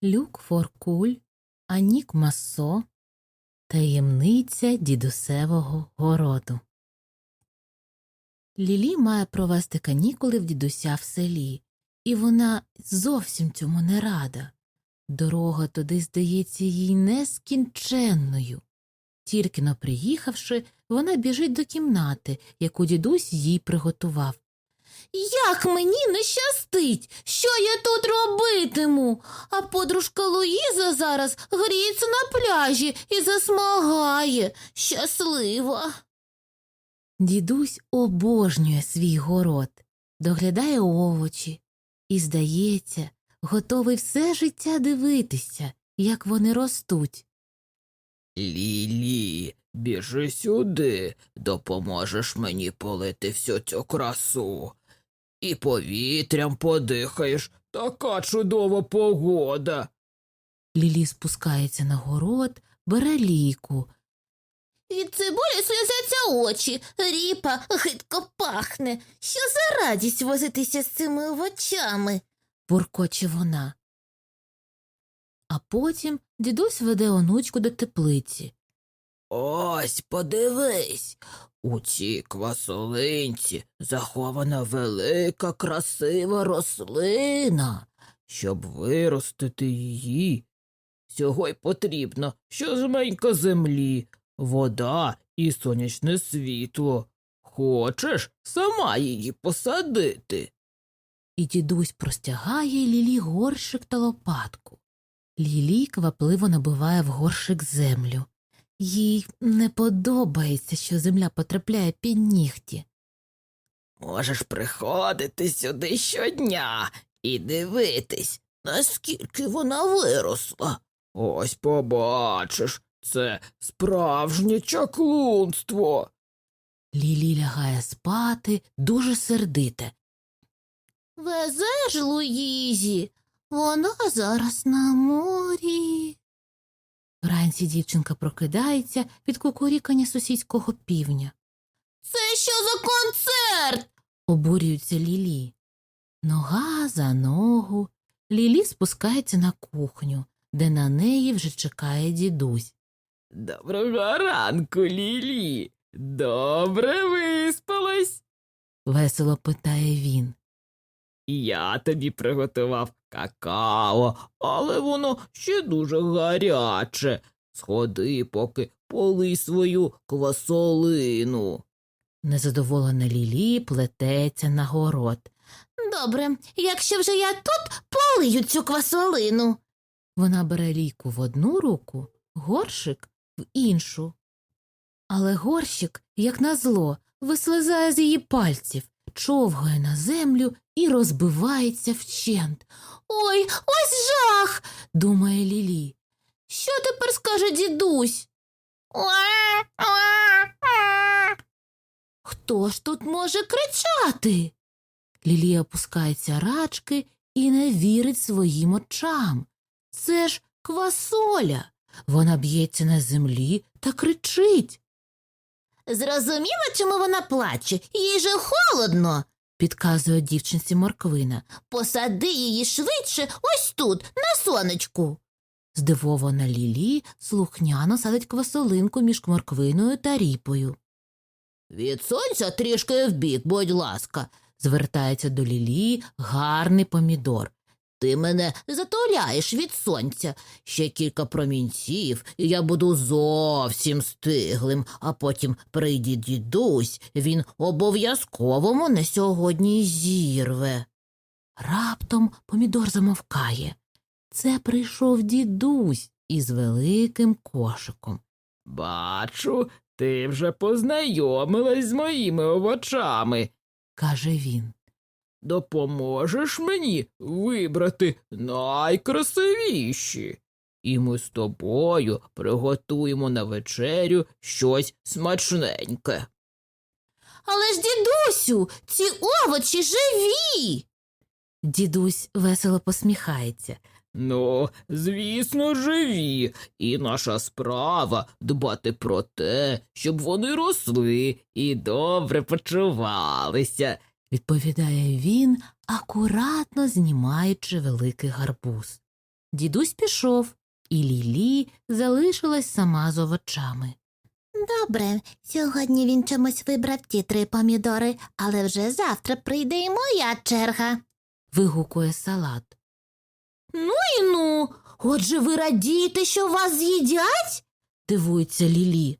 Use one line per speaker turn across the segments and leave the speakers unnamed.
Люк Форкуль, Анік Массо. Таємниця дідусевого городу. Лілі має провести канікули в дідуся в селі, і вона зовсім цьому не рада. Дорога туди здається їй нескінченною. Тільки-но приїхавши, вона біжить до кімнати, яку дідусь їй приготував. «Як мені не щастить! Що я тут робитиму? А подружка Луїза зараз гріється на пляжі і засмагає. Щаслива!» Дідусь обожнює свій город, доглядає овочі і, здається, готовий все життя дивитися, як вони ростуть.
Лілі, біжи сюди, допоможеш мені полити всю цю красу. І повітрям подихаєш, така чудова погода.
Лілі спускається на город, бере лійку. «Від цибулі сльозяться очі, ріпа гидко пахне. Що за радість возитися з цими овочами?» – буркоче вона. А потім дідусь веде онучку до теплиці.
Ось, подивись, у цій квасолинці захована велика красива рослина. Щоб виростити її, всього й потрібно щось землі, вода і сонячне світло. Хочеш сама її посадити?
І дідусь простягає Лілі горщик та лопатку. Лілі квапливо набиває в горщик землю. Їй не подобається, що земля потрапляє під нігті.
Можеш приходити сюди щодня і дивитись, наскільки вона виросла. Ось побачиш, це справжнє чаклунство.
Лілі лягає спати, дуже сердите. «Везеш Луїзі? Вона зараз на морі». Вранці дівчинка прокидається від кукурікання сусідського півня. «Це що за концерт?» – обурюється Лілі. Нога за ногу. Лілі спускається на кухню, де на неї вже чекає дідусь.
Доброго ранку, Лілі. Добре виспалась?
Весело питає він.
Я тобі приготував какао, але воно ще дуже гаряче. Сходи, поки полий свою квасолину.
Незадоволена Лілі плететься на город. «Добре, якщо вже я тут, полию цю квасолину». Вона бере лійку в одну руку, горщик в іншу. Але горщик, як назло, вислизає з її пальців, човгає на землю і розбивається вщент. «Ой, ось жах!» – думає Лілі. «Що тепер скаже дідусь?» «Хто ж тут може кричати?» Лілі опускається рачки і не вірить своїм очам. Це ж квасоля. Вона б'ється на землі та кричить. «Зрозуміла, чому вона плаче? Їй же холодно!» – підказує дівчинці морквина. «Посади її швидше ось тут, на сонечку!» Здивована Лілі слухняно садить квасолинку між морквиною та ріпою. «Від сонця трішки вбік, будь ласка», – звертається до Лілі гарний помідор. «Ти мене затуляєш від сонця. Ще кілька промінців, і я буду зовсім стиглим, а потім прийде дідусь, він обов'язково мене сьогодні зірве». Раптом помідор замовкає. Це прийшов дідусь із великим кошиком.
Бачу, ти вже познайомилась з моїми овочами,
каже він.
Допоможеш мені вибрати найкрасивіші? І ми з тобою приготуємо на вечерю щось смачненьке.
«Але ж, дідусю, ці овочі живі!» Дідусь весело посміхається.
Ну, звісно, живі, і наша справа дбати про те, щоб вони росли і добре почувалися,
відповідає він, акуратно знімаючи великий гарбуз. Дідусь пішов, і Лілі залишилась сама з овочами.
Добре, сьогодні він чомусь вибрав ті 3 помідори, але вже завтра прийде і моя черга.
Вигукує Салат. Ну, отже ви радієте, що вас з'їдять? Дивується Лілі.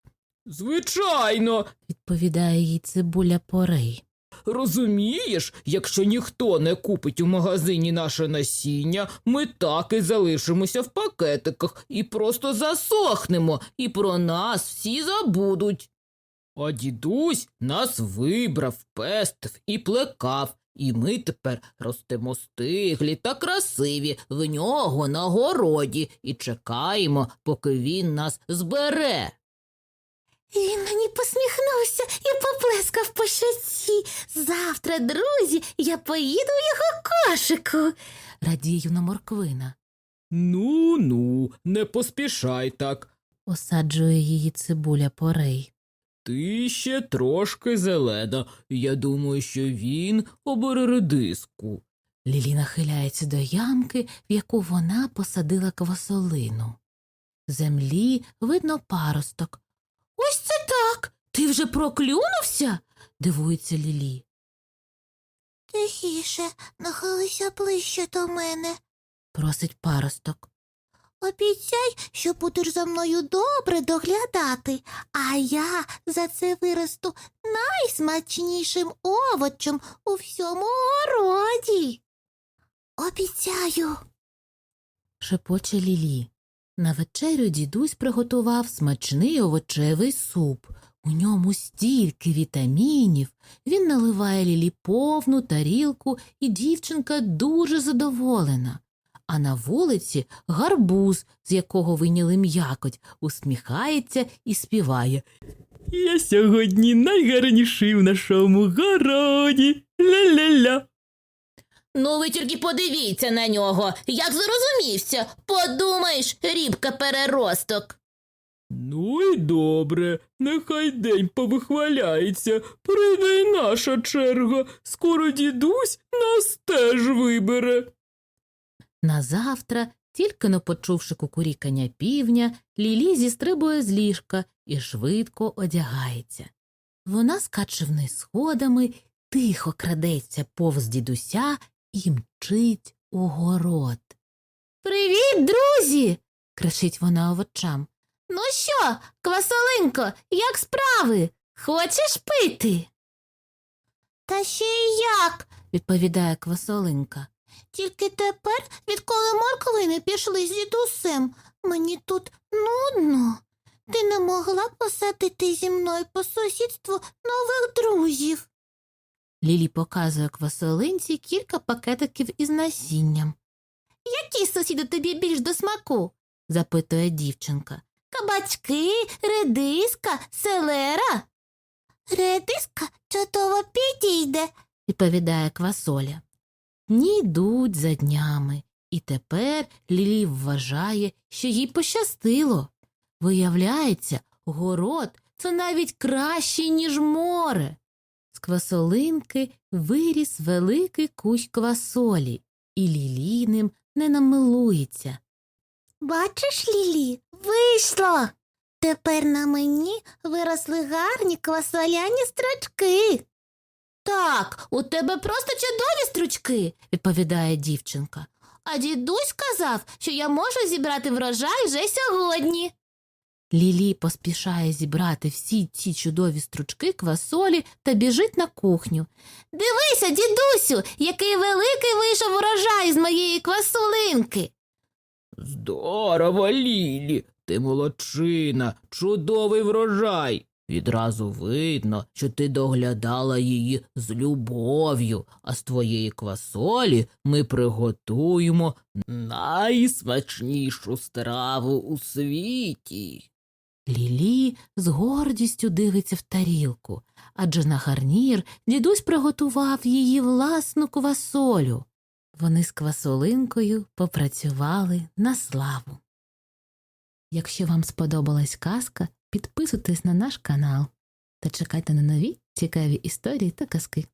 Звичайно,
Відповідає їй Цибуля Порей.
розумієш, якщо ніхто не купить у магазині наше насіння, ми так і залишимося в пакетиках і просто засохнемо, і про нас всі забудуть. А дідусь нас вибрав, пестив і плекав, і ми тепер ростемо стиглі та красиві в нього на городі і чекаємо, поки він нас збере.
Він мені посміхнувся і поплескав по щоці. Завтра, друзі, я поїду в його кошику.
Радіє юна морквина.
Ну, не поспішай так.
Осаджує її Цибуля Порей.
Ти ще трошки зелена. Я думаю, що він обере редиску.
Лілі нахиляється до ямки, в яку вона посадила квасолину. В землі видно паросток. Ось це так! Ти вже проклюнувся? Дивується Лілі.
Тихіше, нахилися ближче до мене.
Просить паросток.
Обіцяй, що будеш за мною добре доглядати, а я за це виросту найсмачнішим овочем у всьому городі. Обіцяю.
Шепоче Лілі. На вечерю дідусь приготував смачний овочевий суп. У ньому стільки вітамінів. Він наливає Лілі повну тарілку, і дівчинка дуже задоволена. А на вулиці гарбуз, з якого вийняли м'якоть, усміхається і співає.
Я сьогодні найгарніший в нашому городі. Ля-ля-ля.
Ну ви тільки подивіться на нього, як зрозумівся. Подумаєш, рібка-переросток.
Ну і добре, нехай день повихваляється. Прийде й наша черга. Скоро дідусь нас теж вибере.
Назавтра, тільки но почувши кукурікання півня, Лілі зістрибує з ліжка і швидко одягається. Вона скаче вниз сходами, тихо крадеться повз дідуся і мчить у город. «Привіт, друзі!» – кричить вона овочам. «Ну що, квасолинко, як справи? Хочеш пити?»
Та ще й як?
– відповідає квасолинка.
Тільки тепер, відколи морквини пішли з дідусем, мені тут нудно. Ти не могла посадити зі мною по сусідству нових друзів?
Лілі показує квасолинці кілька пакетиків із насінням.
Які сусіди тобі більш до смаку?
Запитує дівчинка.
Кабачки, редиска, селера? Редиска чудово підійде.
Відповідає квасоля. Дні йдуть за днями, і тепер Лілі вважає, що їй пощастило. Виявляється, город – це навіть краще, ніж море. З квасолинки виріс великий кущ квасолі, і Лілі ним не намилується.
Бачиш, Лілі, вийшло. Тепер на мені виросли гарні квасоляні строчки.
«Так, у тебе просто чудові стручки», – відповідає дівчинка. «А дідусь сказав, що я можу зібрати врожай вже сьогодні». Лілі поспішає зібрати всі ці чудові стручки квасолі та біжить на кухню. «Дивися, дідусю, який великий вийшов урожай з моєї квасолинки!»
Здорово, Лілі, ти молодчина, чудовий врожай. Відразу видно, що ти доглядала її з любов'ю, а з твоєї квасолі ми приготуємо найсмачнішу страву у світі.
Лілі з гордістю дивиться в тарілку, адже на гарнір дідусь приготував її власну квасолю. Вони з квасолинкою попрацювали на славу. Якщо вам сподобалась казка, підписуйтесь на наш канал та чекайте на нові цікаві історії та казки.